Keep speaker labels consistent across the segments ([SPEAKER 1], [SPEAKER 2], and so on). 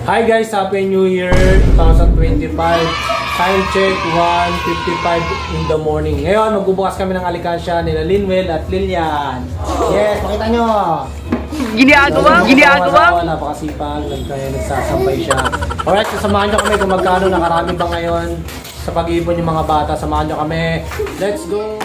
[SPEAKER 1] Hi guys, Happy New Year 2025. Time check 1:55 in the morning. Ngayon, magbubukas kami ng alikansya nila Linwell at Lilian. Yes, pakita nyo. Ginagawa. Napakasipag, nagsasampay siya. Alright, sasamahan nyo kami kung magkano nakarami ba ngayon sa pag-iipon yung mga bata. Samahan nyo kami. Let's go!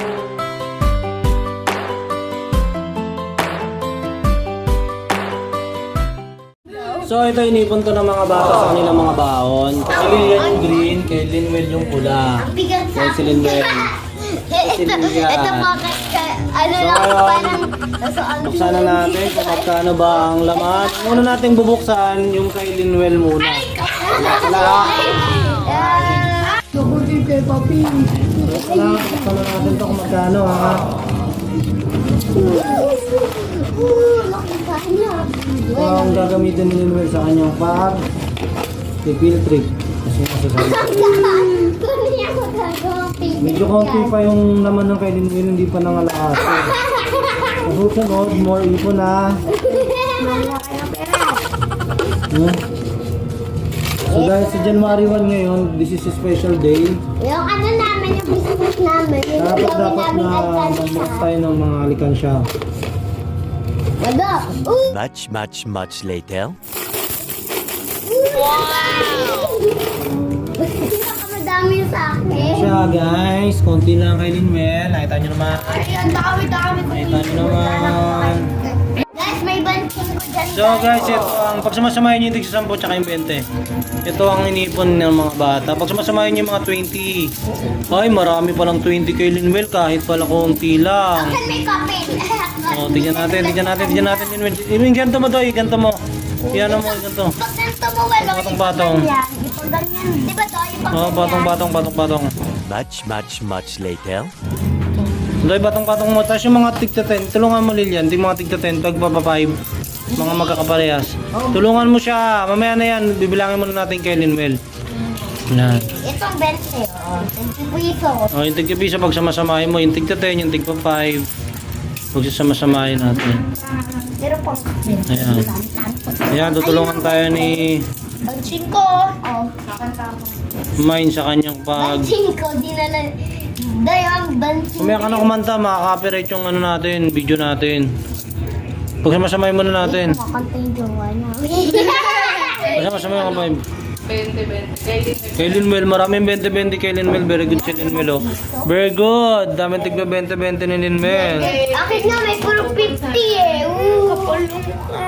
[SPEAKER 1] So ito inipon to ng mga bata sa kanilang mga baon. Kay Lilian yung green, kay Linwell yung pula. Kay si Linwell.
[SPEAKER 2] Ito bakit ano
[SPEAKER 1] So
[SPEAKER 2] lang
[SPEAKER 1] ngayon,
[SPEAKER 2] parang
[SPEAKER 1] buksan na natin kung magkano ba ang laman. Una natin bubuksan yung kay Linwell muna. Buksan na natin to kung magkano ha.
[SPEAKER 2] laki pa niya.
[SPEAKER 1] Ito ang gagamitin ni Linwell sa kanyang pag-field trip. Kasi masasabi medyo konti pa yung laman ng kay Linwell, hindi pa nangalaan. Susunod, more ipon ha. So guys, sa January 1 ngayon, this is a special day.
[SPEAKER 2] Yung ano namin, yung business namin, yung
[SPEAKER 1] Dapat
[SPEAKER 2] gawin namin
[SPEAKER 1] na
[SPEAKER 2] alkansya.
[SPEAKER 1] mag-box tayo ng mga alikansya.
[SPEAKER 2] Wala.
[SPEAKER 3] Much later.
[SPEAKER 2] Madami sa akin.
[SPEAKER 1] Siya guys, konti lang kay Linwell. Nakita nyo naman.
[SPEAKER 2] Ay, ang dami ko.
[SPEAKER 1] Nakita nyo naman.
[SPEAKER 2] Guys, may banting ko dyan.
[SPEAKER 1] So guys, ito ang pag sumasamahin nyo yung tig sa 10 tsaka yung 20. Ito ang inipon ng mga bata. Pag sumasamahin nyo yung mga 20. Ay, marami palang 20 kay Linwell kahit pala konti lang.
[SPEAKER 2] Saan may kapit?
[SPEAKER 1] O, tignan natin Linwell. Yung ganito mo doy, ganito mo. Yan mo, ganito.
[SPEAKER 2] Pag ganito mo, wala.
[SPEAKER 1] Patong-patong.
[SPEAKER 2] Ipag ganyan. Di ba to? Ipag
[SPEAKER 1] Oh, patong-patong.
[SPEAKER 3] Much later.
[SPEAKER 1] Doy, patong-patong mo. Tapos yung mga tigta 10, tulungan mo Lilian. Yung mga tigta 10, pagpapa 5. Mga magkakaparehas. Tulungan mo siya. Mamaya na yan. Bibilangin muna natin kay Linwell. Yan.
[SPEAKER 2] Itong 20, oh. 20 piso.
[SPEAKER 1] O, yung tigta piso, pag samasamahin mo, yung tigta 10, yung tigpa 5. Pag samasamahin natin.
[SPEAKER 2] Pero pang kapit.
[SPEAKER 1] Ayan. Ayan, tutulungan tayo ni
[SPEAKER 2] Bansing ko. Oh, kakanta ko.
[SPEAKER 1] Mine sa kanyang pag...
[SPEAKER 2] Bansing ko, di na lang. Day, ang bansing.
[SPEAKER 1] Kumaya ka na kumanta, makaka-copyright yung ano natin, video natin. Pag samasamahin muna natin.
[SPEAKER 2] Makakanta yung jowa niya.
[SPEAKER 1] Pag samasamahin ka 5. Kay Linwell, maraming 20-20 kay Linwell. Very good si Linwell, oh. Very good. Daming tigba 20-20 ni Linwell.
[SPEAKER 2] Akin na, may puro 50 eh. Kapalong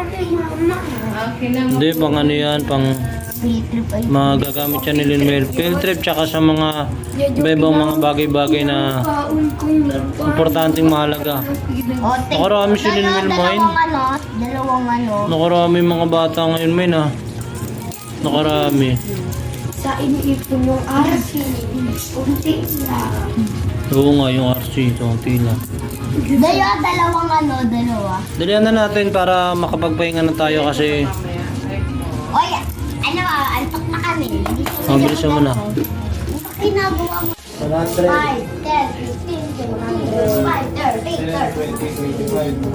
[SPEAKER 1] Hindi, pang ano yan, pang magagamit siya ni Linwell. Field trip tsaka sa mga ibang mga bagay-bagay na importanteng mahalaga. Nakarami si Linwell mine.
[SPEAKER 2] Dalawang ano.
[SPEAKER 1] Nakarami mga bata ngayon mine ha. Nakarami.
[SPEAKER 2] Sa iniipon yung RC. Unti lang.
[SPEAKER 1] Oo nga, yung RC, ito ang tila.
[SPEAKER 2] Dalawang ano, dalawa.
[SPEAKER 1] Dalihan na natin para makapagpahinga na tayo kasi
[SPEAKER 2] Oy, ano, antok na kami.
[SPEAKER 1] bilisan mo na.
[SPEAKER 2] Ano ginagawa mo? 5, 10, 15, 20, 25, 30,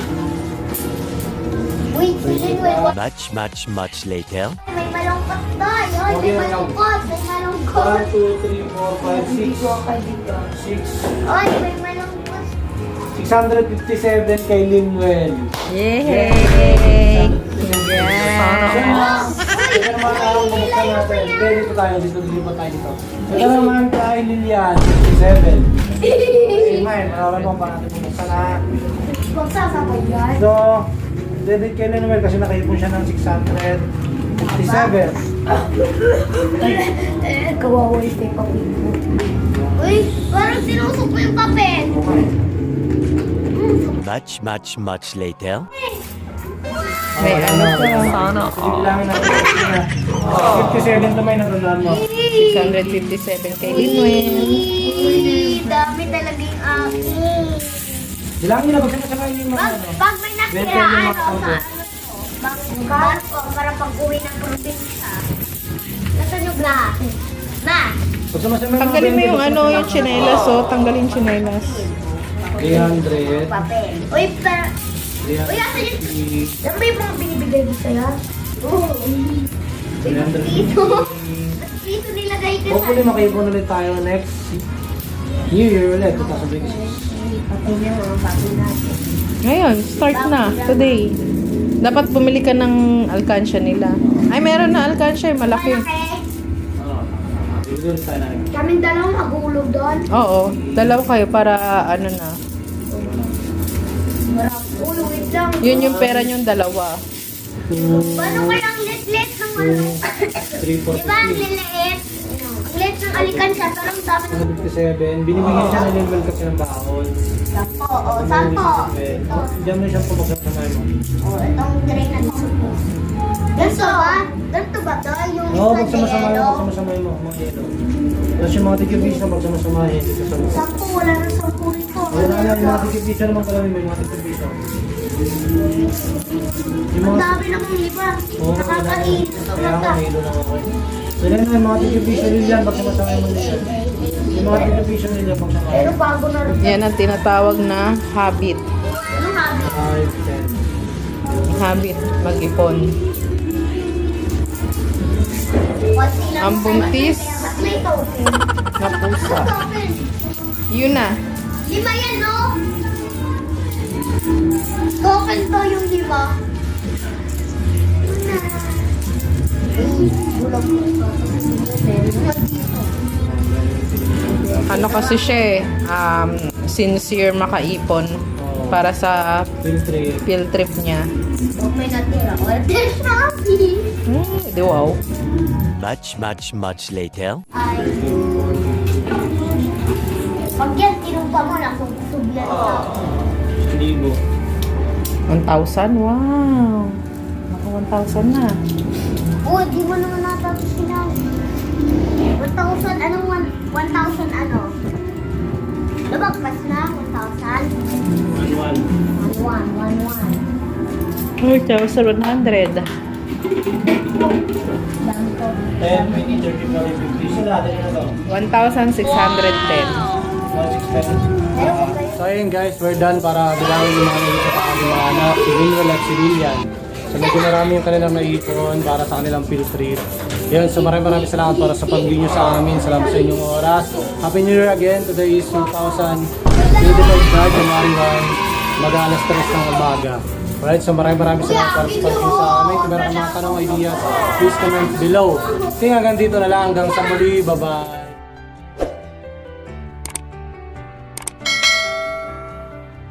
[SPEAKER 2] 30. Wait, Linwell,
[SPEAKER 3] Much later.
[SPEAKER 2] may malungkot tayo. May malungkot, may malungkot.
[SPEAKER 1] 1, 2, 3, 4, 5, 6. 6.
[SPEAKER 2] Oy, may malungkot.
[SPEAKER 1] 657 kay Linwell.
[SPEAKER 4] Yay!
[SPEAKER 1] Ito naman ang bubuksan natin. Dito tayo, dito tayo dito. Ito naman kay Lilian, 57. Mine, marami pa natin bubuksan na.
[SPEAKER 2] Magsasabay yan.
[SPEAKER 1] So, debit kay Linwell kasi nakaipon siya ng 657.
[SPEAKER 2] Kawawa yung papel. Uy, parang sinusok mo yung papel.
[SPEAKER 3] Much later.
[SPEAKER 4] May ano to? Sana
[SPEAKER 1] Bilangin natin. 57 to may natandaan mo.
[SPEAKER 4] 657 kay Linwell.
[SPEAKER 2] Uy, dami talaga yung akin.
[SPEAKER 1] Bilangin na, pagkakasakayin yung mga ano.
[SPEAKER 2] Pag may nakira, ano, sa ano to, barko, para pag-uwi ng probinsya. Nasaan yung lahat? Ma!
[SPEAKER 1] Pag sumasama yung mga
[SPEAKER 4] Tanggalin mo
[SPEAKER 1] 20,
[SPEAKER 4] yung ano, yung chinelas, oh. Tanggalin yung chinelas.
[SPEAKER 1] 300.
[SPEAKER 2] Papel. Uy, pero, uy, asan yung,
[SPEAKER 1] 350.
[SPEAKER 2] yan ba yung mga binibigay mo sa'yo? Oo. Dito. Dito nilagay ka
[SPEAKER 1] Hopefully makaipon ulit tayo next New Year ulit, 2026.
[SPEAKER 2] Pati niya mga bago natin.
[SPEAKER 4] Ngayon, start na. Today. Dapat bumili ka ng alkansya nila. Ay, meron na alkansya. Malaki.
[SPEAKER 1] Bibili ulit tayo na rin.
[SPEAKER 2] Kaming dalawang magulog doon.
[SPEAKER 4] Oo. Dalawa kayo para ano na.
[SPEAKER 2] Marap. Ulo, wait lang.
[SPEAKER 4] Yun yung pera nyong dalawa.
[SPEAKER 2] Paano kayang let ng ano?
[SPEAKER 1] 3, 4,
[SPEAKER 2] Di ba ang liliit? Ang liit ng alikansya, pero ang dami ng
[SPEAKER 1] 57. Binibigyan siya ng level kasi ng baon.
[SPEAKER 2] sampo. O, sampo. Ito.
[SPEAKER 1] Diyan mo siyang pumagsasamay mo.
[SPEAKER 2] O, itong tray na to. Ganito ba? Ganito ba to? Yung
[SPEAKER 1] Oo,
[SPEAKER 2] isa
[SPEAKER 1] pagsamasamahin mo,
[SPEAKER 2] yellow.
[SPEAKER 1] pagsamasamahin mo, mga yelo. Tapos yung mga tigibisa, pagsamasamahin dito sa mga.
[SPEAKER 2] Sampo, wala na sampo rito.
[SPEAKER 1] Wala na, yung mga tigibisa naman kalawin mo, yung mga tigibisa. Yung
[SPEAKER 2] Ang
[SPEAKER 1] mga...
[SPEAKER 2] dami ng iba.
[SPEAKER 1] Oo,
[SPEAKER 2] Nakakahilig sa
[SPEAKER 1] kaya nga,
[SPEAKER 2] mata.
[SPEAKER 1] hilo lang ako. Wala na, yung mga tigibisa nila, pagsamasamahin mo nila. Yung mga tigibisa nila,
[SPEAKER 2] Pero
[SPEAKER 1] pagsamasamahin.
[SPEAKER 2] bago na rin.
[SPEAKER 4] Yan ang tinatawag na habit.
[SPEAKER 2] Anong habi?
[SPEAKER 1] 5, 10.
[SPEAKER 4] Habit. Mag-ipon.
[SPEAKER 2] Konti lang
[SPEAKER 4] Ang
[SPEAKER 2] sa-
[SPEAKER 4] buntis.
[SPEAKER 2] At may token.
[SPEAKER 4] Na pusa.
[SPEAKER 2] Token.
[SPEAKER 4] Yun na.
[SPEAKER 2] 5 yan, no? Token to yung 5. Bulog mo ito.
[SPEAKER 4] Ano kasi siya eh. Sincere makaipon. Para sa
[SPEAKER 1] Filtre.
[SPEAKER 4] field trip niya.
[SPEAKER 2] Okay na tira. Order Shopee.
[SPEAKER 4] Di wow.
[SPEAKER 3] Much, much, much later.
[SPEAKER 2] Ay. Pag yan, tinumpa mo na kung sublan ka.
[SPEAKER 1] 1,000.
[SPEAKER 4] 1,000? Wow. Naka 1,000 na.
[SPEAKER 2] Uy, di mo naman natapos sinabi. 1,000, anong 1,000 ano? Lumagpas na, 1,000.
[SPEAKER 1] 1,1.
[SPEAKER 2] 1,1.
[SPEAKER 4] 4,100.
[SPEAKER 2] Dami ko.
[SPEAKER 1] 10, 20, 30, 40, 50. So lahat na to.
[SPEAKER 4] 1,610.
[SPEAKER 1] 1,610.
[SPEAKER 2] Pero okay.
[SPEAKER 1] So ayun guys, we're done para bilangin yung mga nilito sa aking mga anak, si Wilwell at si Lilian. So medyo marami yung kanilang naipon para sa kanilang field trip. Yun, so maraming salamat para sa pag-view nyo sa amin. Salamat sa inyong oras. Happy New Year again. Today is 2025, January 1, mag-alas 3 ng umaga. Alright, so maraming salamat para sa pag-view sa amin. Kung meron ka mga tanong, ideas, please comment below. Kaya hanggang dito na lang. Hanggang sa muli. Bye-bye.